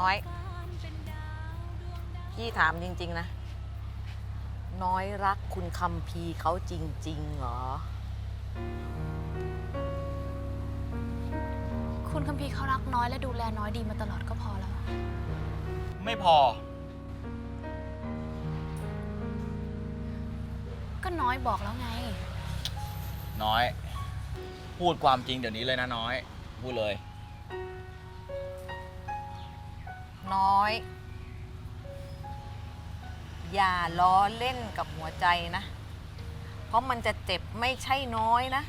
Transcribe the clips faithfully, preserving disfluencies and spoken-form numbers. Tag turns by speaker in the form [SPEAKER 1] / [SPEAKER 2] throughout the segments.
[SPEAKER 1] น้อยพี่ถามจริงๆนะน้อยรักคุณคัมภีร์เขาจริงๆเหรอ
[SPEAKER 2] คุณคัมภีร์เขารักน้อยและดูแลน้อยดีมาตลอดก็พอแล้ว
[SPEAKER 3] ไม่พอ
[SPEAKER 2] ก็น้อยบอกแล้วไง
[SPEAKER 3] น้อย พูดความจริงเดี๋ยวนี้เลยนะน้อย พูดเลย
[SPEAKER 1] น้อยอย่าล้อเล่นกับหัวใจนะเพราะมันจะเจ็บไม่ใช่น้อยนะ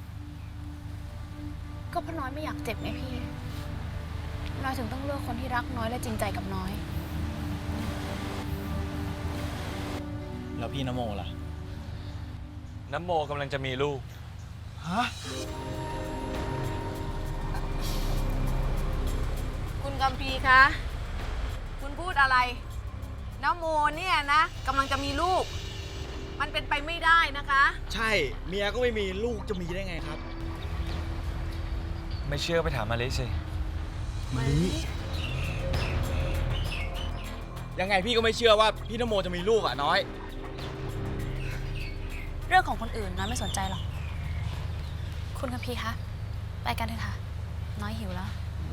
[SPEAKER 2] ก็เพราะน้อยไม่อยากเจ็บไงพี่ น้อยถึงต้องเลือกคนที่รักน้อยและจริงใจกับน้อย
[SPEAKER 3] แล้วพี่นโมล่ะ
[SPEAKER 4] น้ำโมกำลังจะมีลูก
[SPEAKER 3] ฮะ
[SPEAKER 1] คุณคัมภีร์คะคุณพูดอะไรน้าโมเนี่ยนะกำลังจะมีลูกมันเป็นไปไม่ได้นะคะ
[SPEAKER 3] ใช่เมียก็ไม่มีลูกจะมีได้ไงครับ
[SPEAKER 4] ไม่เชื่อไปถามมาลิสิ
[SPEAKER 3] ยังไงพี่ก็ไม่เชื่อว่าพี่นโมจะมีลูกอ่ะน้อย
[SPEAKER 2] เรื่องของคนอื่นน้อยไม่สนใจหรอก คุณคัมภีร์คะ ไปกันเถอะค่ะ น้อยหิวแล้ว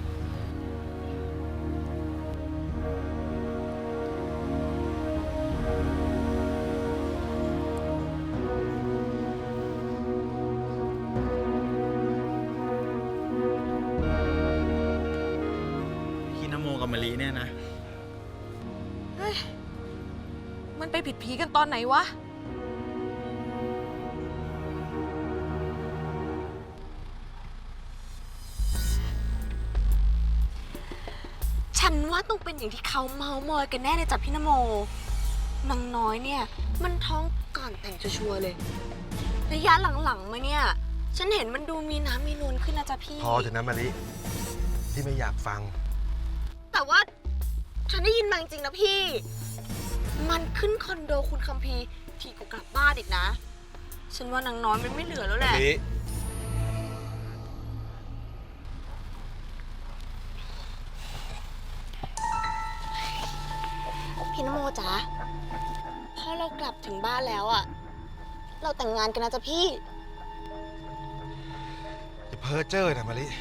[SPEAKER 3] พี่นโมกับมะลิเนี่ยนะ
[SPEAKER 1] เฮ้ยมันไปผิดผีกันตอนไหนวะ
[SPEAKER 5] ฉันว่าต้องเป็นอย่างที่เขาเมามอยกันแน่เลยจ้ะพี่นโมนางน้อยเนี่ยมันท้องก่อนแต่งชัวร์ๆเลยระยะหลังๆมาเนี่ยฉันเห็นมันดูมีน้ำมีนวลขึ้นนะจ๊ะพี่
[SPEAKER 6] พอเถอะนะมะลิที่ไม่อยากฟัง
[SPEAKER 5] แต่ว่าฉันได้ยินมาจริงๆนะพี่ มันขึ้นคอนโดคุณคัมภีร์ทีก็กลับบ้านอีกนะ ฉันว่านางน้อยมันไม่เหลือแล้วแหละ
[SPEAKER 6] มะลิ
[SPEAKER 5] พี่นโมจ๊ะพอเรากลับถึงบ้านแล้วอะเราแต่งงานกันนะจ๊ะพี่
[SPEAKER 6] อย่าเพ้อเจ้อนะมะลิ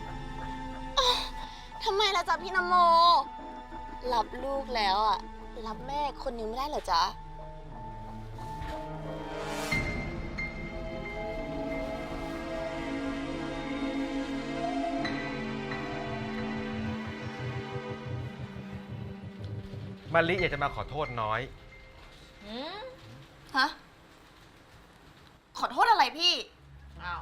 [SPEAKER 5] ทำไมล่ะจ๊ะพี่นโม รับลูกแล้วอะรับแม่คนนึงไม่ได้เหรอจ๊ะ
[SPEAKER 6] มะลิอยากจะมาขอโทษน้อย
[SPEAKER 5] ฮะ ขอโทษอะไรพี่
[SPEAKER 1] อ้าว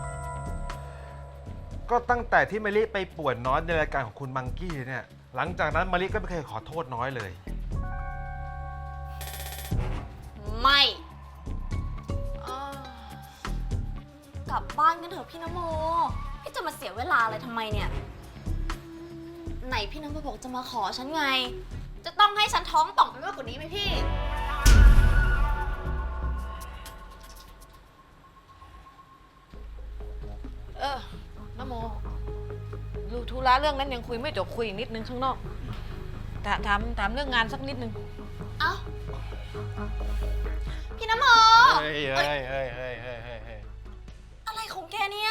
[SPEAKER 6] ก็ตั้งแต่ที่มะลิไปป่วนน้อยในรายการของคุณมังกี้เนี่ย หลังจากนั้นมะลิก็ไม่เคยขอโทษน้อยเลย
[SPEAKER 5] ไม่กลับบ้านกันเถอะพี่นโม พี่จะมาเสียเวลาอะไรทำไมเนี่ย ไหนพี่นโมบอกจะมาขอฉันไง จะต้องให้ฉันท้องป่องไปมากกว่านี้ไหมพี่
[SPEAKER 1] เออน้าโมดูธุระเรื่องนั้นยังคุยไม่จบคุยอีกนิดนึงข้างนอกถามถามถามเรื่องงานสักนิดนึง
[SPEAKER 5] เอ้า พี่น้ำโม
[SPEAKER 6] เฮ้ยเฮ้ยเฮ้ยเฮ้ยเฮ้ยเฮ้ยเฮ้ย
[SPEAKER 5] อะไรของแกเนี่ย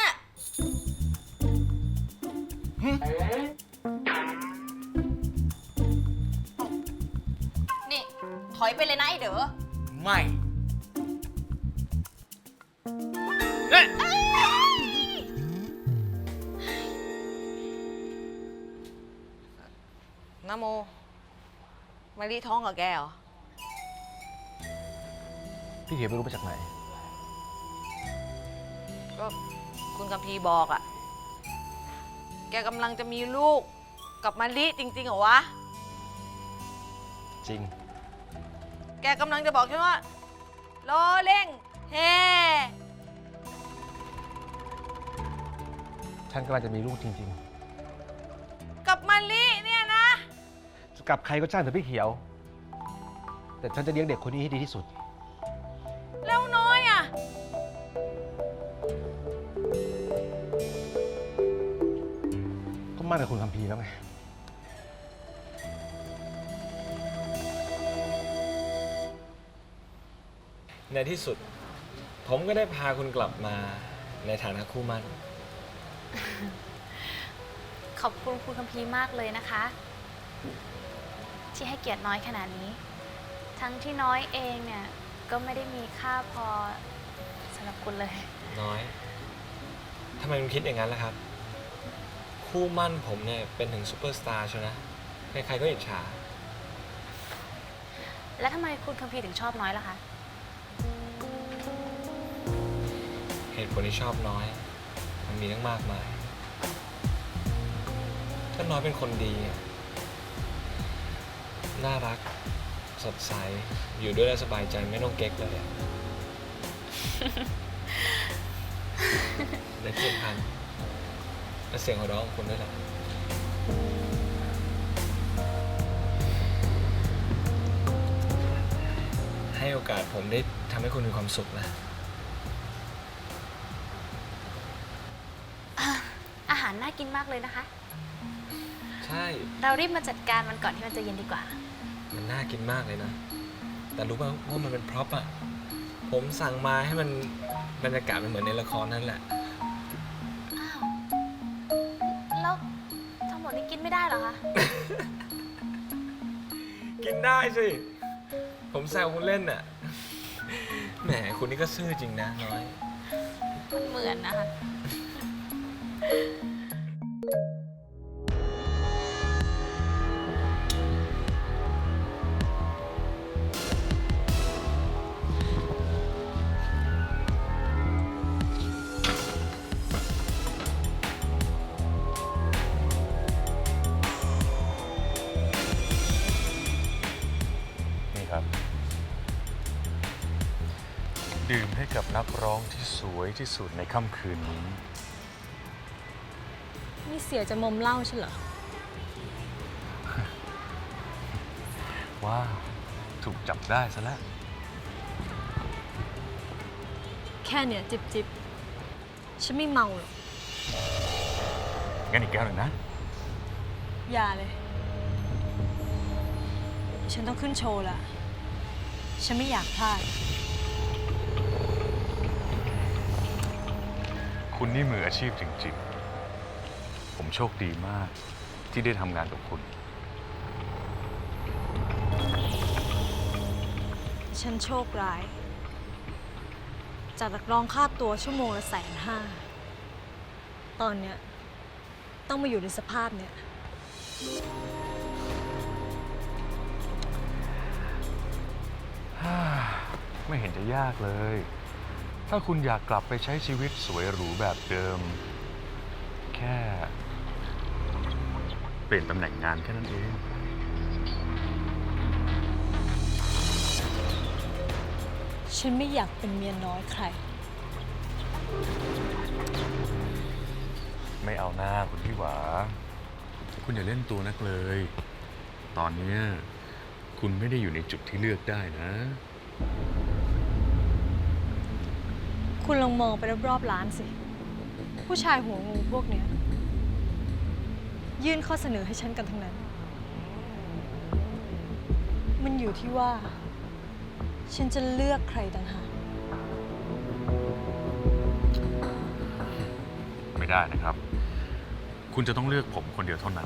[SPEAKER 5] นี่ ถอยไปเลยนะไอเด๋อ
[SPEAKER 3] ไม่
[SPEAKER 1] น้าโมมารีท้องกับแกเหรอ
[SPEAKER 6] พี่เขียวไม่รู้มาจากไหน
[SPEAKER 1] ก็คุณคัมภีร์บอกอะแกกำลังจะมีลูกกับมารีจริงๆเหรอวะ
[SPEAKER 6] จริง
[SPEAKER 1] แกกำลังจะบอกใช่ไหมว่าล้อเล่งเฮ
[SPEAKER 6] ฉันกำลังจะมีลูกจริง
[SPEAKER 1] กับมารีเนี่ยนะ
[SPEAKER 6] ๆจะกับใครก็ช่างเถอะพี่เขียว แต่ฉันจะเลี้ยงเด็กคนนี้ให้ดีที่สุด
[SPEAKER 1] แล้วน้อยอะ
[SPEAKER 6] ก็มั่นกับคุณคัมภีร์แล้วไง
[SPEAKER 4] ในที่สุด ผมก็ได้พาคุณกลับมาในฐานะคู่หมั่น
[SPEAKER 2] ขอบคุณคุณคัมภีร์มากเลยนะคะ ที่ให้เกียรติน้อยขนาดนี้ ทั้งที่น้อยเองเนี่ยก็ไม่ได้มีค่าพอสำหรับคุณเลย
[SPEAKER 4] น้อย ทำไมคุณคิดอย่างนั้นล่ะครับ คู่หมั่นผมเนี่ยเป็นถึงซูเปอร์สตาร์ใช่ไหมใครๆก็อิจฉา
[SPEAKER 2] แล้วทำไมคุณคัมภีร์ถึงชอบน้อยล่ะคะ
[SPEAKER 4] เหตุผลที่ชอบน้อย มันมีตั้งมากมาย ถ้าน้อยเป็นคนดีอะน่ารัก สดใส อยู่ด้วยแล้วสบายใจไม่ต้องเก๊กเลยอะ และที่สำคัญและเสียงหัวเราะของคุณด้วยแหละ ให้โอกาสผมได้ทำให้คุณมีความสุขนะ
[SPEAKER 2] อาหารน่ากินมากเลยนะคะ
[SPEAKER 4] ใช่
[SPEAKER 2] เรารีบมาจัดการมันก่อนที่มันจะเย็นดีกว่า
[SPEAKER 4] มันน่ากินมากเลยนะ แต่รู้ป่ะว่ามันเป็นพร็อพอะผมสั่งมาให้มันบรรยากาศมันเหมือนในละครนั่นแหละ
[SPEAKER 2] อ้าว แล้วทั้งหมดนี้กินไม่ได้เหรอคะ
[SPEAKER 4] กินได้สิ ผมแซวคุณเล่นน่ะ แหมคุณนี่ก็ซื่อจริงนะน้อย
[SPEAKER 2] มันเหมือนนะคะ
[SPEAKER 7] นี่ครับ ดื่มให้กับนักร้องที่สวยที่สุดในค่ำคืนนี้
[SPEAKER 8] นี่เสียจะมอมเหล้าใช่เหรอ
[SPEAKER 7] ว้าว ถูกจับได้ซะแล้ว
[SPEAKER 8] แค่เนี่ยจิบจิบฉันไม่เมาหรอก
[SPEAKER 7] งั้นอีกแก้วหนึ่งนะ
[SPEAKER 8] อย่าเลย ฉันต้องขึ้นโชว์ละ ฉันไม่อยากพลาด
[SPEAKER 7] คุณนี่มืออาชีพจริงๆ ผมโชคดีมากที่ได้ทำงานกับคุณ
[SPEAKER 8] ฉันโชคร้าย จากนักร้องค่าตัวชั่วโมงละแสนห้า ตอนเนี้ยต้องมาอยู่ในสภาพเนี้ย
[SPEAKER 7] ไม่เห็นจะยากเลย ถ้าคุณอยากกลับไปใช้ชีวิตสวยหรูแบบเดิม แค่เปลี่ยนตำแหน่งงานแค่นั้นเอง
[SPEAKER 8] ฉันไม่อยากเป็นเมียน้อยใคร
[SPEAKER 7] ไม่เอาหน้าคุณพี่หวา คุณอย่าเล่นตัวนักเลย ตอนเนี้ยคุณไม่ได้อยู่ในจุดที่เลือกได้นะ
[SPEAKER 8] คุณลองมองไปรอบๆร้านสิ ผู้ชายหัวงูพวกเนี้ยยื่นข้อเสนอให้ฉันกันทั้งนั้น มันอยู่ที่ว่า ฉันจะเลือกใครต่างหาก
[SPEAKER 7] ไม่ได้นะครับ คุณจะต้องเลือกผมคนเดียวเท่านั้น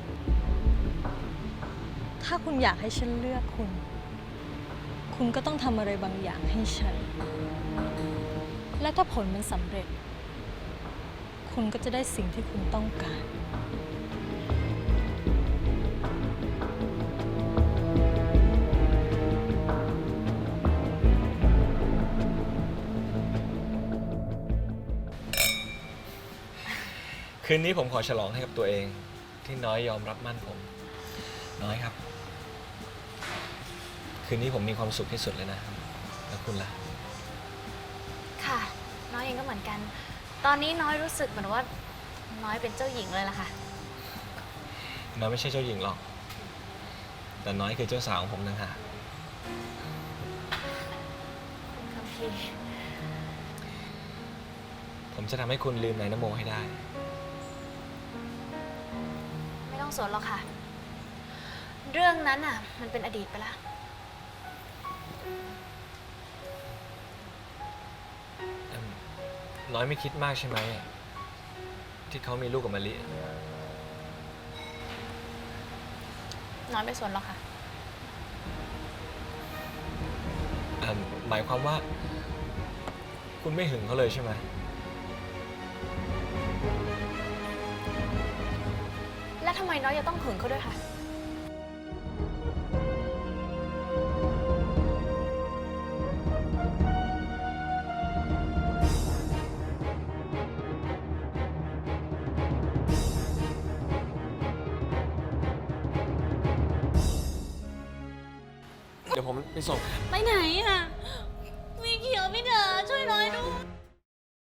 [SPEAKER 8] ถ้าคุณอยากให้ฉันเลือกคุณ คุณก็ต้องทำอะไรบางอย่างให้ฉัน และถ้าผลมันสำเร็จ คุณก็จะได้สิ่งที่คุณต้องการ
[SPEAKER 4] คืนนี้ผมขอฉลองให้กับตัวเอง ที่น้อยยอมรับมั่นผม น้อยครับ คืนนี้ผมมีความสุขที่สุดเลยนะ แล้วคุณล่ะ
[SPEAKER 2] ค่ะ น้อยเองก็เหมือนกัน ตอนนี้น้อยรู้สึกเหมือนว่า น้อยเป็นเจ้าหญิงเลยล่ะค่ะ
[SPEAKER 4] น้อยไม่ใช่เจ้าหญิงหรอก แต่น้อยคือเจ้าสาวของผมนะฮะ
[SPEAKER 2] คุณคัมภีร์
[SPEAKER 4] ผมจะทำให้คุณลืมนายนโมให้ได้
[SPEAKER 2] ไม่ต้องสนหรอกค่ะ เรื่องนั้นอ่ะ มันเป็นอดีตไปแล้ว
[SPEAKER 4] น้อยไม่คิดมากใช่ไหมที่เขามีลูกกับมะลิ
[SPEAKER 2] น้อยไม่สนหรอกค่ะ
[SPEAKER 4] อ่าหมายความว่า คุณไม่หึงเขาเลยใช่ไหม
[SPEAKER 2] แล้วทำไมน้อยจะต้องหึงเขาด้วยคะ
[SPEAKER 4] เดี๋ยวผมไปส่ง
[SPEAKER 5] ไปไหนอ่ะ